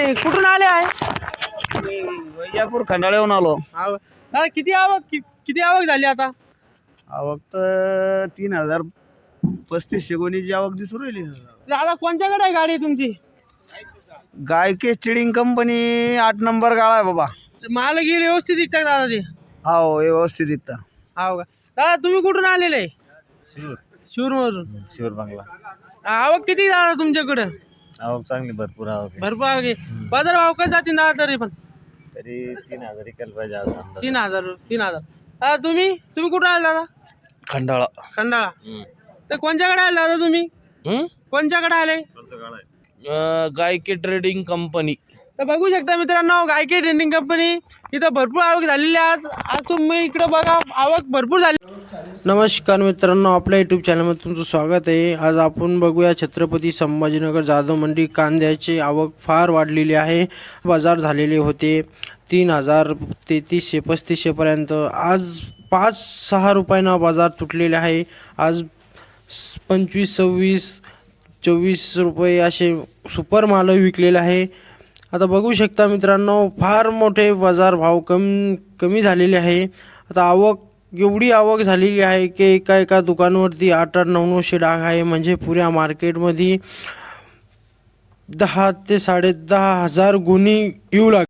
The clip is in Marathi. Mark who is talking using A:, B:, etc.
A: तुम्ही कुठून आले आहे?
B: वैजापूर खंडाळ्याहून आलो.
A: दादा किती आवक झाली आता?
B: आवक तर 3035 गोणीची आवक दिसून राहिली.
A: दादा कोणत्याकडे आहे गाडी तुमची?
B: गायके चिडिंग कंपनी 8 नंबर गाळा आहे बाबा.
A: माल गेली व्यवस्थित दिसतात दादा ते?
B: हो व्यवस्थित दिसतं.
A: हो का दादा तुम्ही कुठून आलेले? शिरूरमधून.
C: शिवर बांगला.
A: आवक किती दादा तुमच्याकडं?
C: आवक चांगली भरपूर आवक आहे.
A: भरपूर आवक आहे. बाजार भाव काय जातील दादा तरी पण?
C: तरी 3000 इकायला पाहिजे आज अंदाज.
A: 3,000. दादा तुम्ही कुठून आले दादा? खंडाळा. तर कोणत्याकडे आले दादा तुम्ही? कोणत्याकडे आले?
D: गायके ट्रेडिंग कंपनी.
A: तर बघू शकता मित्रांनो, गायके ट्रेडिंग कंपनी इथं भरपूर आवक झालेली आहे. आज तुम्ही इकडे बघा, आवक भरपूर झाली. नमस्कार मित्रांनो, आपल्या यूट्यूब चॅनलमध्ये तुमचं स्वागत आहे. आज आपण बघूया छत्रपती संभाजीनगर जाधव मंडी कांद्याची आवक फार वाढलेली आहे. बाजार झालेले होते 3000 3335 पर्यंत. आज 5-6 रुपयांना बाजार तुटलेले आहे. आज 25 26 24 रुपये असे सुपर माल विकलेले आहे. आता बघू शकता मित्रांनो, फार मोठे बाजार भाव कमी झालेले आहे. आता आवक एवढी आवक झालेली आहे की एका दुकानावरती 8-8 900 डाग आहे. म्हणजे पुऱ्या मार्केटमध्ये 10 ते 10.5 हजार गुणी येऊ लागले.